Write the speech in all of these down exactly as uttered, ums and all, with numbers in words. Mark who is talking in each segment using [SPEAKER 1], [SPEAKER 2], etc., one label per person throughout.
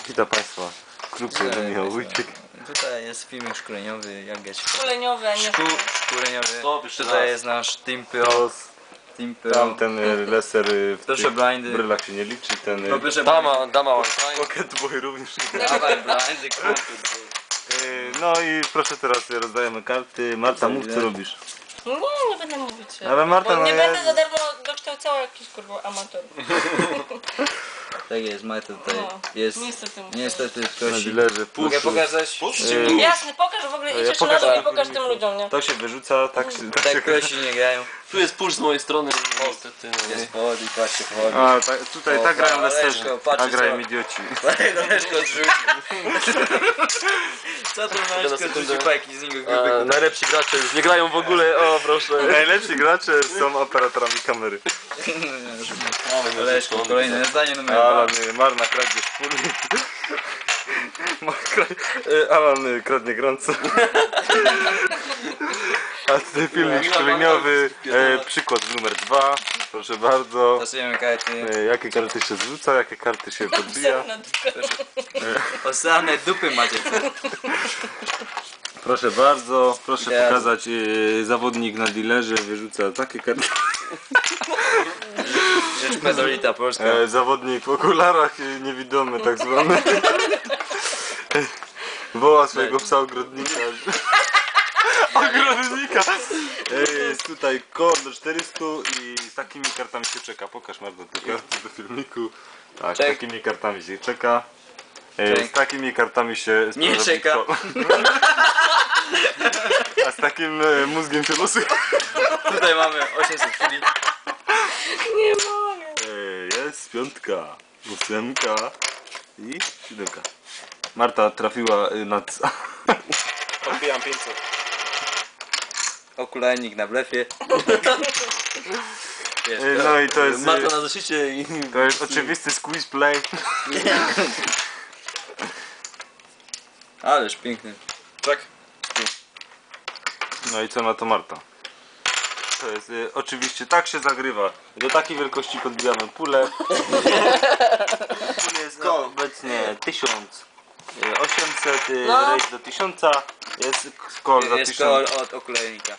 [SPEAKER 1] Witam Państwa, klub Michał Wójcik.
[SPEAKER 2] Tutaj jest filmik szkoleniowy, jak grać w
[SPEAKER 3] Szkoleniowy, a nie
[SPEAKER 2] Szkół szkoleniowy.
[SPEAKER 4] Stop, jeszcze
[SPEAKER 2] Tutaj
[SPEAKER 4] raz.
[SPEAKER 2] jest nasz Team Pro. Team Pro.
[SPEAKER 1] Tam ten y, leser y, w
[SPEAKER 2] Proszę
[SPEAKER 1] tych
[SPEAKER 2] blindy.
[SPEAKER 1] brylach się nie liczy, ten y,
[SPEAKER 2] No proszę
[SPEAKER 4] Dama, dama one time.
[SPEAKER 1] Pocket Boy również nie.
[SPEAKER 2] Dawaj blindy, kurde.
[SPEAKER 1] Y, No i proszę teraz y, rozdajemy karty. Marta, mów co robisz.
[SPEAKER 3] Nie, nie będę mówić.
[SPEAKER 1] Ale Marta,
[SPEAKER 3] Bo
[SPEAKER 1] no
[SPEAKER 3] nie
[SPEAKER 1] ja-
[SPEAKER 3] będę za darmo dokształcała jakichś kurwa amatorów.
[SPEAKER 2] Tak jest, Marta tutaj
[SPEAKER 3] No,
[SPEAKER 2] jest.
[SPEAKER 3] niestety muszę.
[SPEAKER 2] Niestety
[SPEAKER 1] Na
[SPEAKER 2] kości.
[SPEAKER 1] dealerze.
[SPEAKER 2] Mogę pokazać?
[SPEAKER 1] Y,
[SPEAKER 3] Jasne, pokaż w ogóle,
[SPEAKER 1] Ja
[SPEAKER 3] idź jeszcze
[SPEAKER 1] pokażę
[SPEAKER 3] na dół i
[SPEAKER 1] na
[SPEAKER 3] pokaż tym
[SPEAKER 1] filmiku.
[SPEAKER 3] ludziom, nie?
[SPEAKER 1] To się wyrzuca, tak się... Tak się
[SPEAKER 2] Tak kości nie grają.
[SPEAKER 4] Tu jest push z mojej strony, niestety. No,
[SPEAKER 2] Jest pod i patrzcie pod.
[SPEAKER 1] A, tak, tutaj
[SPEAKER 2] O,
[SPEAKER 1] tak grają
[SPEAKER 2] pa-
[SPEAKER 1] leserzy,
[SPEAKER 2] Leszko, patrz,
[SPEAKER 1] tak grają
[SPEAKER 2] co-
[SPEAKER 1] idioci.
[SPEAKER 2] Leszko zrzucił. Co to Leszko zrzucił pajki z niego
[SPEAKER 4] A,
[SPEAKER 2] grupy?
[SPEAKER 4] najlepsi gracze już nie grają w ogóle, o proszę.
[SPEAKER 1] Najlepsi gracze są operatorami kamery.
[SPEAKER 2] Leszko, kolejne zdanie numer dwa.
[SPEAKER 1] Alan y, marna kradnie szpulnik. Ma- kra- y, Alan y, kradnie grąco. A tutaj filmik szkoleniowy, e, przykład numer dwa. Proszę bardzo.
[SPEAKER 2] Losujemy karty.
[SPEAKER 1] E, jakie karty się zrzuca, jakie karty się podbija.
[SPEAKER 3] Na dupę.
[SPEAKER 2] O same dupy macie.
[SPEAKER 1] Proszę bardzo, proszę
[SPEAKER 2] Ja-
[SPEAKER 1] pokazać e, zawodnik na dealerze wyrzuca takie karty.
[SPEAKER 2] Rzeczpospolita Polska.
[SPEAKER 1] E, zawodnik w okularach e, niewidomy tak zwany. Woła swojego psa ogrodnika. Ogrodnika! E, jest tutaj kod do czterysta i z takimi kartami się czeka. Pokaż Marta te karty do filmiku. Tak, z
[SPEAKER 2] Czek.
[SPEAKER 1] takimi kartami się czeka. E, z
[SPEAKER 2] Czek.
[SPEAKER 1] takimi kartami się
[SPEAKER 2] Nie
[SPEAKER 1] sprawdza
[SPEAKER 2] czeka.
[SPEAKER 1] kto- A z takim e, mózgiem się losuje.
[SPEAKER 2] Tutaj mamy osiemset chwili.
[SPEAKER 3] Nie mogę.
[SPEAKER 1] E, jest piątka, ósemka i siódemka. Marta trafiła y, na c-
[SPEAKER 4] Odbijam pięćset.
[SPEAKER 2] Okularnik na blefie. Wiesz,
[SPEAKER 1] E, No i to jest,
[SPEAKER 4] Marta
[SPEAKER 1] y,
[SPEAKER 4] na zeszycie i...
[SPEAKER 1] to jest oczywisty squeeze play.
[SPEAKER 2] Ależ piękny.
[SPEAKER 4] Tak.
[SPEAKER 1] No i co na to Marta? To jest y, oczywiście tak się zagrywa. Do takiej wielkości podbijamy pulę. Pul jest no, obecnie tysiąc osiemset, y,
[SPEAKER 3] No.
[SPEAKER 1] rejs do tysiąca. Jest skor za
[SPEAKER 2] Jest
[SPEAKER 1] tysiąc
[SPEAKER 2] kol od okularnika.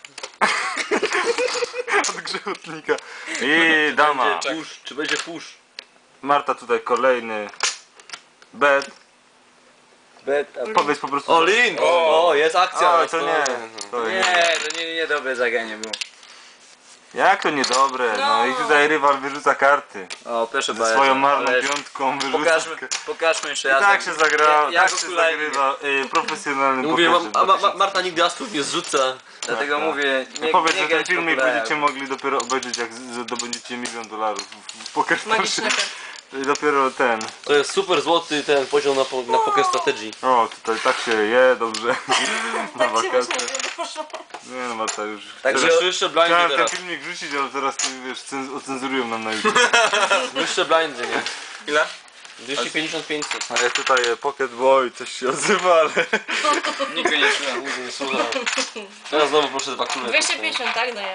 [SPEAKER 1] od grzechotnika. I dama.
[SPEAKER 4] Push, czy będzie push?
[SPEAKER 1] Marta tutaj kolejny bet.
[SPEAKER 2] Bet, a...
[SPEAKER 1] Powiedz po prostu.
[SPEAKER 4] All in!
[SPEAKER 2] O, jest akcja.
[SPEAKER 1] O, to nie. To nie.
[SPEAKER 2] Nie, to nie, nie dobre zagranie było.
[SPEAKER 1] Jak to niedobre? No
[SPEAKER 3] No.
[SPEAKER 1] i tutaj rywal wyrzuca karty.
[SPEAKER 2] O, proszę
[SPEAKER 1] Ze
[SPEAKER 2] bardzo.
[SPEAKER 1] swoją marną
[SPEAKER 2] Ależ
[SPEAKER 1] piątką wyrzuca
[SPEAKER 2] Pokażmy,
[SPEAKER 1] karty.
[SPEAKER 2] pokażmy jeszcze
[SPEAKER 1] I
[SPEAKER 2] raz.
[SPEAKER 1] tak się zagra,
[SPEAKER 2] jak
[SPEAKER 1] tak się
[SPEAKER 2] okularnik.
[SPEAKER 1] zagrywa y, profesjonalny
[SPEAKER 4] Mówię,
[SPEAKER 1] poker.
[SPEAKER 4] ma, a, ma, ma, Marta nigdy asów nie zrzuca.
[SPEAKER 2] Dlatego
[SPEAKER 1] Tak, tak.
[SPEAKER 2] mówię, nie,
[SPEAKER 1] Powiedz,
[SPEAKER 2] nie
[SPEAKER 1] że ten
[SPEAKER 2] grać w
[SPEAKER 1] filmik
[SPEAKER 2] okularach.
[SPEAKER 1] będziecie mogli dopiero obejrzeć, jak z- zdobędziecie milion dolarów w- w poker
[SPEAKER 3] Magiczne
[SPEAKER 1] starszy.
[SPEAKER 3] karty.
[SPEAKER 1] I dopiero ten.
[SPEAKER 4] To jest super złoty ten poziom na, po- na poker strategii.
[SPEAKER 1] O, tutaj tak się je dobrze. Na
[SPEAKER 3] Tak się
[SPEAKER 1] wakacje.
[SPEAKER 3] właśnie nie poszło.
[SPEAKER 1] Nie no, Marta już.
[SPEAKER 2] Także-
[SPEAKER 4] Jeszcze jeszcze blindy
[SPEAKER 1] Chciałem ten
[SPEAKER 4] teraz.
[SPEAKER 1] filmik wrzucić, ale teraz wiesz, cenz- ocenzurują nam na YouTube.
[SPEAKER 4] Jeszcze blindy, nie?
[SPEAKER 1] Ile?
[SPEAKER 4] dwieście pięćdziesiąt pięćset.
[SPEAKER 1] A jest tutaj e, Pocket Boy, coś się odzywa, ale...
[SPEAKER 2] Nikt go nie słucha.
[SPEAKER 4] Nigdy nie słucham. Teraz znowu proszę dwa kule.
[SPEAKER 3] dwieście pięćdziesiąt, tak daję.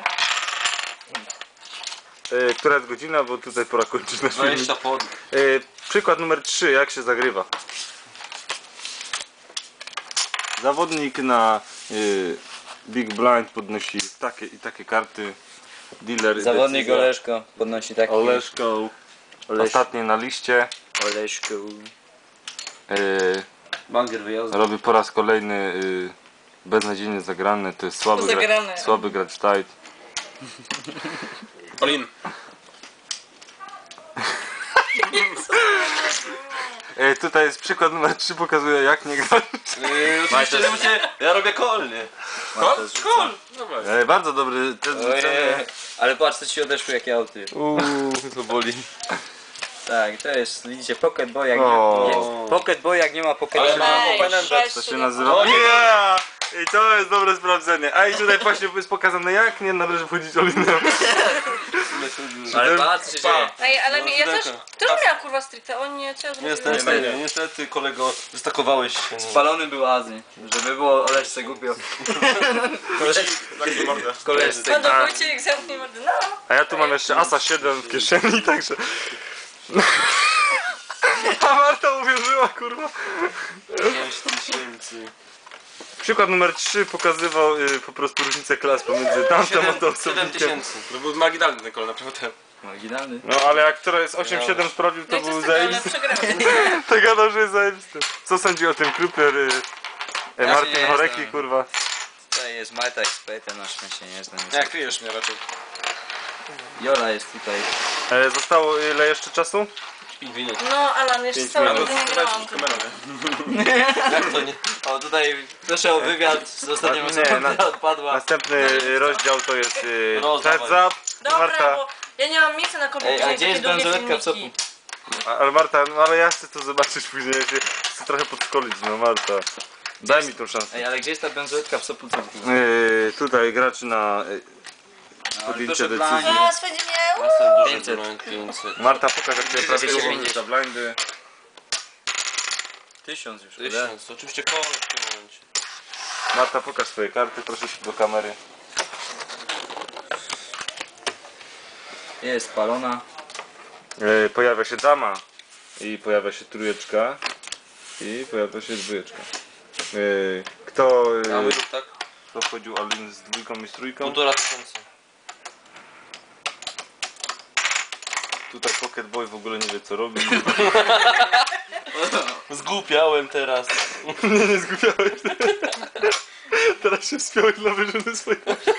[SPEAKER 1] E, która jest godzina, bo tutaj pora kończyć nasz filmik.
[SPEAKER 4] dwadzieścia pod.
[SPEAKER 1] E, przykład numer trzy, jak się zagrywa. Zawodnik na e, Big Blind podnosi takie i takie karty. Dealer
[SPEAKER 2] Zawodnik
[SPEAKER 1] decyzja.
[SPEAKER 2] Oleszko podnosi taki.
[SPEAKER 1] Oleszko.
[SPEAKER 2] Oleś-
[SPEAKER 1] Ostatnie na liście.
[SPEAKER 2] Oleszko.
[SPEAKER 1] E,
[SPEAKER 4] Banger wyjazdu.
[SPEAKER 1] robi po raz kolejny e, beznadziejnie zagrany. To jest słaby, gra,
[SPEAKER 3] Zagrane.
[SPEAKER 1] słaby gracz tight.
[SPEAKER 4] All in.
[SPEAKER 1] E, tutaj jest przykład numer trzy, pokazuje jak nie grać.
[SPEAKER 4] Yy, oczywiście, że musicie... Ja robię kol, nie?
[SPEAKER 2] Kol?
[SPEAKER 4] Kol! Dobra.
[SPEAKER 1] E, bardzo dobry test rzucenia.
[SPEAKER 2] Ojej, ale patrz co ci odeszło jakie auty.
[SPEAKER 4] Uuu, to boli.
[SPEAKER 2] Tak, to jest, widzicie, Pocket Boy jak
[SPEAKER 1] O.
[SPEAKER 2] nie, nie Pocket Boy jak nie ma Pocket
[SPEAKER 4] Ale
[SPEAKER 2] Boy.
[SPEAKER 4] ma
[SPEAKER 3] Ej,
[SPEAKER 4] openem
[SPEAKER 3] sześć,
[SPEAKER 1] To się
[SPEAKER 3] siedem,
[SPEAKER 1] nazywa.
[SPEAKER 4] O nie!
[SPEAKER 1] Yeah! I to jest dobre sprawdzenie. A i tutaj właśnie jest pokazane, jak nie należy wchodzić olinem.
[SPEAKER 2] Ale patrz co się dzieje.
[SPEAKER 3] Ej, ale mi, ja też,
[SPEAKER 4] siódemka.
[SPEAKER 3] też miałam kurwa stricte, o nie, co ja zrobiłem?
[SPEAKER 4] Niestety, nie, niestety kolego, wystakowałeś się.
[SPEAKER 2] Spalony był Azy, żeby było Oleszce głupio. Koleżce.
[SPEAKER 3] No do Wojciech zamknij mordę, no.
[SPEAKER 1] A ja tu mam jeszcze Asa siedem w kieszeni, także... A Marta uwierzyła, kurwa.
[SPEAKER 4] pięć tysięcy.
[SPEAKER 1] Przykład numer trzy pokazywał y, po prostu różnicę klas pomiędzy tamtą a tą
[SPEAKER 4] siedem
[SPEAKER 1] osobnikiem.
[SPEAKER 4] tysięcy.
[SPEAKER 5] To był marginalny ten kol, naprawdę.
[SPEAKER 2] Marginalny.
[SPEAKER 1] No ale jak która jest osiem siedem sprawdził, to
[SPEAKER 3] No i co
[SPEAKER 1] był
[SPEAKER 3] z tego, ale
[SPEAKER 1] zajebisty.
[SPEAKER 3] przegrałem.
[SPEAKER 1] To gadał, że jest zajebisty. Co sądzi o tym Kruper? Y, y,
[SPEAKER 2] Ja się
[SPEAKER 1] Martin
[SPEAKER 2] nie
[SPEAKER 1] Horeki,
[SPEAKER 2] znam.
[SPEAKER 1] kurwa.
[SPEAKER 2] Tutaj jest Marta ekspertem, na szczęście nie znam.
[SPEAKER 5] Nie, kryjesz mnie raczej.
[SPEAKER 2] Jola jest tutaj.
[SPEAKER 1] E, zostało ile jeszcze czasu?
[SPEAKER 4] pięć minut.
[SPEAKER 3] No, Alan, jeszcze
[SPEAKER 1] Pięć
[SPEAKER 3] całe
[SPEAKER 1] minut.
[SPEAKER 3] godziny grałam.
[SPEAKER 5] Kamerą, nie?
[SPEAKER 4] Jak to nie?
[SPEAKER 2] O, tutaj proszę o wywiad z ostatnią
[SPEAKER 1] Nie,
[SPEAKER 2] osobą,
[SPEAKER 1] na-
[SPEAKER 2] która odpadła.
[SPEAKER 1] Następny y, rozdział to jest y,
[SPEAKER 4] Rozdawaj.
[SPEAKER 1] heads up.
[SPEAKER 3] Dobra,
[SPEAKER 1] Marta,
[SPEAKER 3] bo ja nie mam miejsca na komputerze.
[SPEAKER 2] Ej, a
[SPEAKER 3] na
[SPEAKER 2] gdzie
[SPEAKER 3] takie
[SPEAKER 2] jest
[SPEAKER 3] długie
[SPEAKER 2] bransoletka w
[SPEAKER 3] filmiki.
[SPEAKER 1] a- ale Marta, no ale ja chcę to zobaczyć później. Ja się chcę trochę podszkolić, no Marta. Daj mi tą szansę.
[SPEAKER 2] Ej, ale gdzie jest ta bransoletka w sopu?
[SPEAKER 1] Yy, tutaj gracz na y, podjęcie
[SPEAKER 2] proszę
[SPEAKER 1] decyzji.
[SPEAKER 3] A, swędzi mnie.
[SPEAKER 4] Jestem duży
[SPEAKER 2] pięćset.
[SPEAKER 4] broń, pięćset.
[SPEAKER 1] Marta, pokaż jak cię
[SPEAKER 2] dwieście
[SPEAKER 1] prawidłowo
[SPEAKER 2] pięćdziesiąt.
[SPEAKER 1] za blindy.
[SPEAKER 2] Tysiąc już,
[SPEAKER 4] Tysiąc, oczywiście kolor w tym momencie.
[SPEAKER 1] Marta, pokaż swoje karty, proszę do kamery.
[SPEAKER 2] Jest spalona.
[SPEAKER 1] Yy, pojawia się dama i pojawia się trójeczka i pojawia się dwójeczka. Yy, kto,
[SPEAKER 4] A my
[SPEAKER 1] yy,
[SPEAKER 4] rób tak?
[SPEAKER 1] kto wchodził Alin z dwójką i z trójką?
[SPEAKER 4] Półtora tysiąca.
[SPEAKER 1] Tutaj Pocket Boy w ogóle nie wie co robi.
[SPEAKER 4] Zgłupiałem teraz.
[SPEAKER 1] Nie, nie zgubiałeś. Teraz się wspiąłeś dla wyżyny swojej.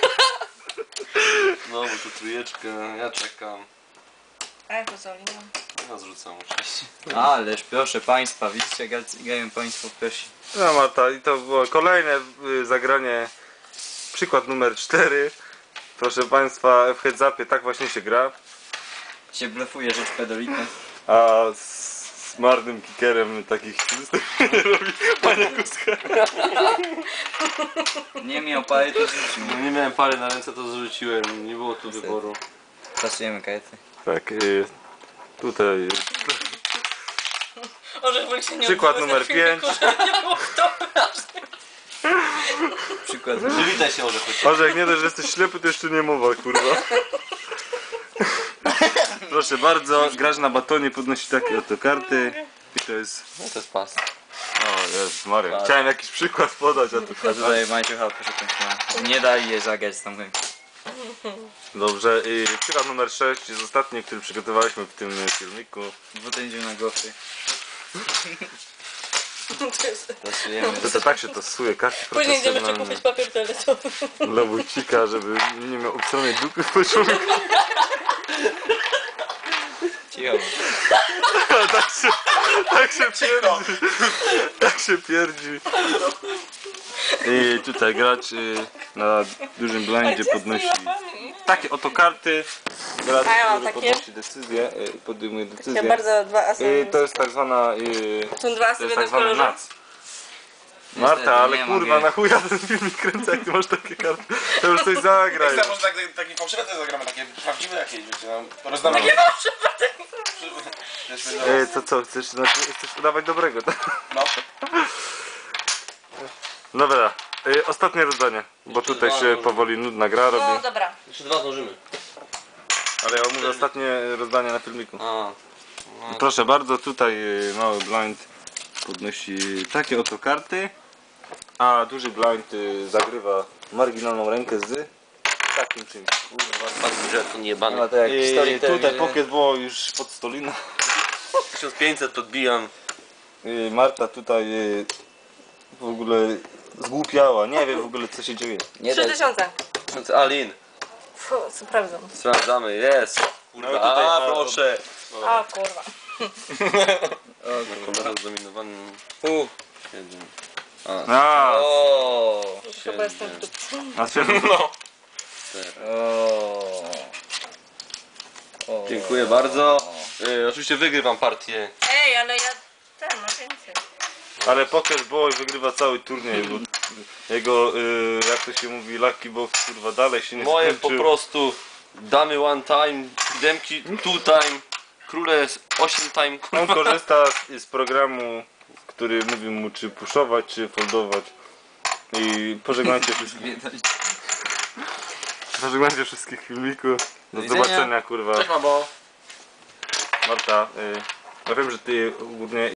[SPEAKER 4] No, bo tu trójeczkę, ja czekam.
[SPEAKER 3] A jak to co, Lina?
[SPEAKER 4] Ja zrzucam oczywiście.
[SPEAKER 2] Ależ proszę państwa, widzicie, gra- grają państwo w Persi.
[SPEAKER 1] No Marta, i to było kolejne y, zagranie. Przykład numer cztery. Proszę Państwa, w heads upie tak właśnie się gra.
[SPEAKER 2] Się blefuje rzecz pedolitna.
[SPEAKER 1] A z marnym kickerem takich nie robi Panie Kuska.
[SPEAKER 2] Nie miał pary, to rzucił.
[SPEAKER 4] No, nie miałem pary na ręce, to zrzuciłem. Nie było tu wyboru.
[SPEAKER 2] Pasujemy karty.
[SPEAKER 1] Tak, y, tutaj
[SPEAKER 3] Orzech woli się nie
[SPEAKER 1] Przykład
[SPEAKER 3] odbywać
[SPEAKER 1] numer
[SPEAKER 3] na filmiku,
[SPEAKER 1] pięć.
[SPEAKER 3] żeby nie było kto
[SPEAKER 2] Przykład.
[SPEAKER 4] Przywitaj się, Orzech. chodź.
[SPEAKER 1] Orzech, nie dość, że jesteś ślepy, to jeszcze nie mowa, kurwa. Proszę bardzo, graż na batonie, podnosi takie oto karty. I to jest...
[SPEAKER 4] No to jest pas.
[SPEAKER 1] O Jezus Maria, chciałem jakiś przykład podać, a tu...
[SPEAKER 2] A tutaj Maciucha, proszę państwa. Nie daj je zagrać z tą ręką.
[SPEAKER 1] Dobrze, i przykład numer sześć jest ostatni, który przygotowaliśmy w tym filmiku.
[SPEAKER 2] Dwutędził na gofry.
[SPEAKER 3] To jest...
[SPEAKER 2] Pasujemy.
[SPEAKER 1] To, to tak się tosuje, karty
[SPEAKER 3] Później idziemy jeszcze
[SPEAKER 1] profesjonalne
[SPEAKER 3] kupić papier toaletowy.
[SPEAKER 1] dla Wójcika, żeby nie miał obstronnej dupy w pociągu.
[SPEAKER 2] Cicho.
[SPEAKER 1] tak się, tak się pierdzi. Tak się pierdzi. I tutaj gracz y, na dużym blindzie podnosi takie oto karty. Gracz,
[SPEAKER 3] A ja mam
[SPEAKER 1] który
[SPEAKER 3] takie.
[SPEAKER 1] podnosi decyzję, y, podejmuje
[SPEAKER 3] Ja
[SPEAKER 1] decyzję.
[SPEAKER 3] bardzo dwa asy.
[SPEAKER 1] Y, to jest tak zwana... Y,
[SPEAKER 3] Są dwa asy
[SPEAKER 1] to
[SPEAKER 3] w
[SPEAKER 1] jest tak
[SPEAKER 3] jednym
[SPEAKER 1] zwany
[SPEAKER 3] kolorze.
[SPEAKER 1] nac. Marta,
[SPEAKER 2] Niestety,
[SPEAKER 1] ale
[SPEAKER 2] nie
[SPEAKER 1] kurwa,
[SPEAKER 2] mogę.
[SPEAKER 1] na chuja ten filmik kręcę, jak ty masz takie karty. To już coś zagraj.
[SPEAKER 5] Jak może tak, taki fałszywy też zagramy, takie prawdziwe jakieś, wiecie, no, rozdamy.
[SPEAKER 3] Nie może
[SPEAKER 5] Wiesz,
[SPEAKER 1] E, to co, chcesz, znaczy, chcesz udawać dobrego, tak?
[SPEAKER 5] No.
[SPEAKER 1] Dobra, e, ostatnie rozdanie, bo tutaj się powoli nudna gra
[SPEAKER 3] No
[SPEAKER 1] robi.
[SPEAKER 3] dobra.
[SPEAKER 4] Jeszcze dwa zdążymy.
[SPEAKER 1] Ale ja mówię ostatnie rozdanie na filmiku.
[SPEAKER 4] A.
[SPEAKER 1] Proszę bardzo, tutaj e, mały blind podnosi takie oto karty, a duży blind e, zagrywa marginalną rękę z takim czymś.
[SPEAKER 4] Fakt, że to nie jebany.
[SPEAKER 2] No to jak w
[SPEAKER 1] I
[SPEAKER 2] historii
[SPEAKER 1] tutaj
[SPEAKER 2] telewizji.
[SPEAKER 1] Pocket było już pod stoliną.
[SPEAKER 4] tysiąc pięćset podbijam.
[SPEAKER 1] I Marta tutaj e, w ogóle zgłupiała, nie wie w ogóle co się dzieje.
[SPEAKER 2] Nie
[SPEAKER 3] Trzy
[SPEAKER 2] daj.
[SPEAKER 3] tysiące.
[SPEAKER 4] Alin,
[SPEAKER 3] Fu, sprawdzam.
[SPEAKER 4] sprawdzamy, jest. Kurwa,
[SPEAKER 1] No i tutaj-
[SPEAKER 4] a
[SPEAKER 1] a,
[SPEAKER 4] proszę.
[SPEAKER 3] A kurwa.
[SPEAKER 4] Kolor zdominowany.
[SPEAKER 2] U.
[SPEAKER 4] Siedem.
[SPEAKER 1] A,
[SPEAKER 2] O.
[SPEAKER 3] Chyba jestem w dupie.
[SPEAKER 1] a świetnie.
[SPEAKER 2] O. O.
[SPEAKER 4] Dziękuję bardzo. Y, oczywiście wygrywam partię.
[SPEAKER 3] Ej, ale ja... Ten, ma więcej.
[SPEAKER 1] Ale Poker Boy wygrywa cały turniej, bo jego, y, jak to się mówi, Lucky Box kurwa dalej się nie
[SPEAKER 4] Moje po
[SPEAKER 1] skończył.
[SPEAKER 4] prostu damy one time, demki two time, króle osiem time.
[SPEAKER 1] On korzysta z, z programu, który mówi mu czy puszować, czy foldować. I pożegnajcie wszystkich. Pożegnajcie wszystkich filmików. Do
[SPEAKER 2] widzenia.
[SPEAKER 1] zobaczenia kurwa.
[SPEAKER 5] Cześć, mamo.
[SPEAKER 1] Marta, y, Ja wiem, że ty ogólnie